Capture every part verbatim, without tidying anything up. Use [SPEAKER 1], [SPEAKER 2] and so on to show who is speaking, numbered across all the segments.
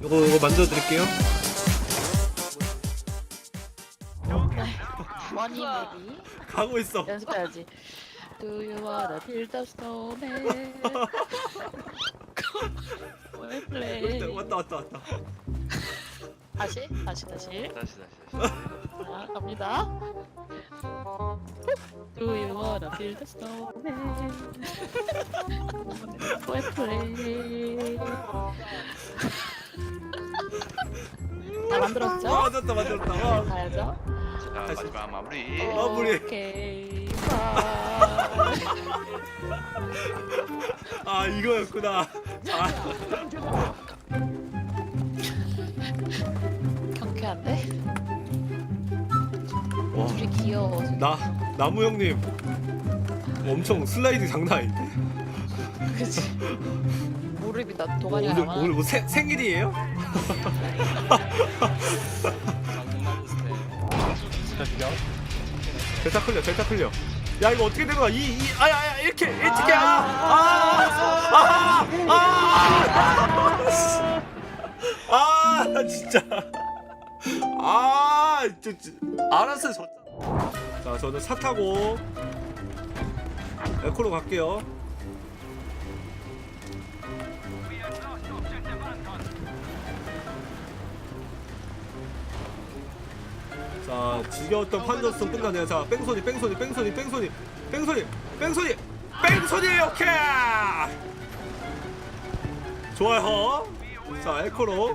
[SPEAKER 1] 요거 요거 만들어 드릴게요.
[SPEAKER 2] 머니 무비
[SPEAKER 1] 가고 있어.
[SPEAKER 2] 연습해야지. Do you wanna build a snowman? We'll play.
[SPEAKER 1] 왔다 왔다 왔다.
[SPEAKER 2] 다시 다시 다시.
[SPEAKER 3] 다시 다시 다시.
[SPEAKER 2] 자 갑니다. Do you wanna build a snowman? We'll play. 다 만들었죠?
[SPEAKER 1] 아, 만들었다 만들었다. 와.
[SPEAKER 2] 가야죠.
[SPEAKER 3] 자 마지막 마무리.
[SPEAKER 1] 어. 마무리.
[SPEAKER 2] 오케이. 바이.
[SPEAKER 1] 아 이거였구나. 아,
[SPEAKER 2] 경쾌한데?
[SPEAKER 1] 와.
[SPEAKER 2] 둘이 귀여워.
[SPEAKER 1] 나 나무 형님 엄청 슬라이드 장난 아닌데.
[SPEAKER 2] 그치? 무릎이 나 도가니
[SPEAKER 1] 오늘
[SPEAKER 2] 하나.
[SPEAKER 1] 오늘 뭐 생, 생일이에요? 델타 클리어 델타 클리어. 야 이거 어떻게 된 거야? 이이 아야야 이렇게 이렇게 아아아아 아, 아, 진짜 아 저, 저, 알았어 저. 자 저는 차 타고 에코로 갈게요. 자 지겨웠던 판저스턴 끝나네요. 자 뺑소니 뺑소니 뺑소니 뺑소니 뺑소니 뺑소니 뺑소니 오케이 좋아요. 자 에코로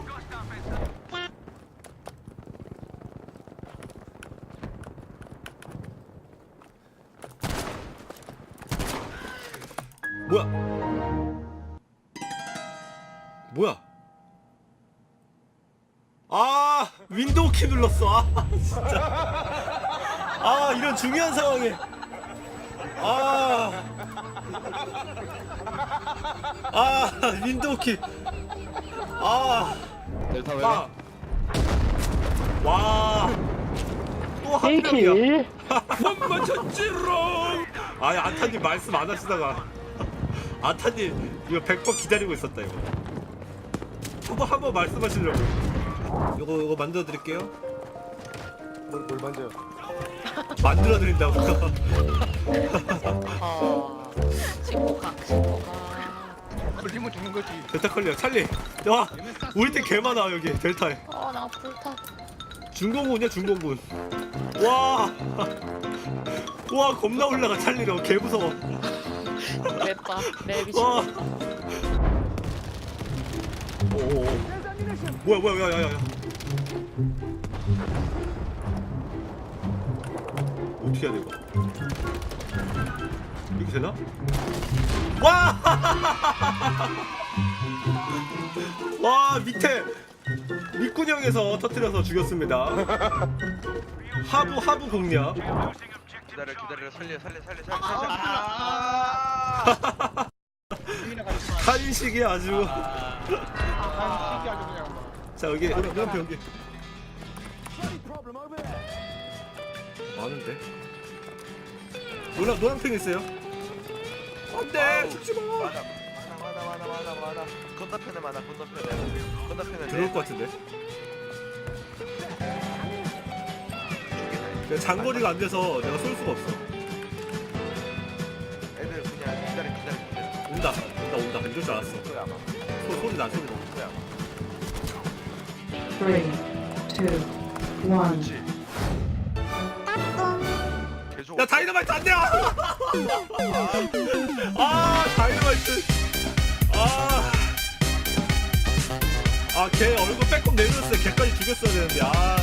[SPEAKER 1] 뭐야 뭐야 아 윈도우 키 눌렀어. 아 진짜 아 이런 중요한 상황에 아 아 윈도우 키아
[SPEAKER 3] 델타 왜?
[SPEAKER 1] 와또 한 명이야. 못 맞췄지롱. 아니 아타님 말씀 안 하시다가 아타님 이거 백 번 기다리고 있었다. 이거 한번 한번 말씀하시려고. 요거 요거 만들어 드릴게요.
[SPEAKER 4] 뭘, 뭘 만져요?
[SPEAKER 1] 만들어 드린다고.
[SPEAKER 2] 어. 신고각 신고각.
[SPEAKER 4] 걸리면 죽는 거지.
[SPEAKER 1] 델타 클리어 찰리. 야 우리 팀 개 많아 여기 델타에.
[SPEAKER 2] 어나 불타.
[SPEAKER 1] 중공군이야 중공군. 와. 와 겁나 올라가 찰리로 개 무서워.
[SPEAKER 2] 맵다 맵이
[SPEAKER 1] 와.
[SPEAKER 2] 신고.
[SPEAKER 1] 오. 뭐야 뭐야 야야야. 어떻게 해야 돼 이거? 이렇게 되나? 와! 와 밑에 밑구녕에서 터뜨려서 죽였습니다. 하부 하부 공략.
[SPEAKER 3] 기다려 기다려 살려 살려 살려 살려 살려. 아!
[SPEAKER 1] 한식이 아주.
[SPEAKER 4] 아, 신기 아주 그냥.
[SPEAKER 1] 자 여기 여기 여기 여기. 많은데? 노란 노란팽 있어요? 안돼 죽지 마.
[SPEAKER 3] 많아 많아 많아 많아 많아. 건너편에 많아 건너편에. 건너편에.
[SPEAKER 1] 들어올 것 같은데. 내가 장거리가 안 돼서 내가 쏠 수가 없어.
[SPEAKER 3] 애들 그냥 기다려 기다려 기다려.
[SPEAKER 1] 온다 온다 온다 이럴 줄 알았어.
[SPEAKER 3] 거야 아마.
[SPEAKER 1] 소, 소리 나 소리 나.
[SPEAKER 3] 거야 아마.
[SPEAKER 5] Three, two, one.
[SPEAKER 3] 그렇지. 계속.
[SPEAKER 1] 야 다이너마이트 안 돼. 아, 아 다이너마이트. 아. 아, 걔 얼굴 빼꼼 내밀었어요. 걔까지 죽였어야 되는데. 아.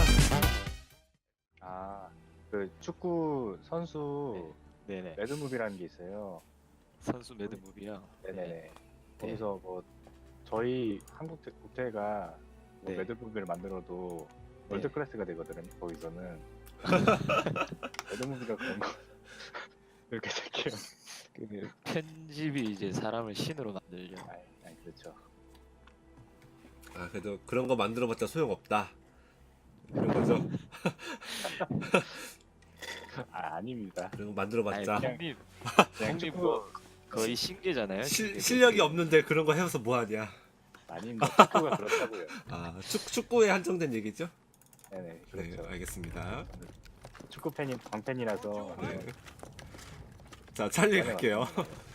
[SPEAKER 4] 아, 그 축구 선수
[SPEAKER 6] 네네.
[SPEAKER 4] 매드무비라는 게 있어요.
[SPEAKER 6] 선수 매드무비요.
[SPEAKER 4] 네네네. 거기서 뭐 저희 한국 대- 국대가 뭐
[SPEAKER 6] 네.
[SPEAKER 4] 매드무비를 만들어도
[SPEAKER 6] 네.
[SPEAKER 4] 월드 클래스가 되거든요. 거기서는 매드무비가 그런 거 이렇게 될게요.
[SPEAKER 6] 그 편집이 이제 사람을 신으로 만들죠.
[SPEAKER 4] 아니, 아니 그렇죠.
[SPEAKER 1] 아, 그래도 그런 거 만들어봤자 소용없다. 이런 거죠.
[SPEAKER 4] 아 아닙니다.
[SPEAKER 1] 그런 거 만들어봤자
[SPEAKER 6] 아니, 형님,
[SPEAKER 4] 그냥
[SPEAKER 6] 형님
[SPEAKER 4] 축구
[SPEAKER 6] 뭐 거의 신기잖아요.
[SPEAKER 1] 실,
[SPEAKER 6] 신기.
[SPEAKER 1] 실력이 없는데 그런 거 해서 뭐하냐.
[SPEAKER 4] 아닙니다. 축구가 그렇다고요.
[SPEAKER 1] 아 축, 축구에 한정된 얘기죠?
[SPEAKER 4] 네네
[SPEAKER 1] 네
[SPEAKER 4] 그렇죠.
[SPEAKER 1] 알겠습니다.
[SPEAKER 4] 축구 팬이 광팬이라서
[SPEAKER 1] 네. 자 찰리 갈게요.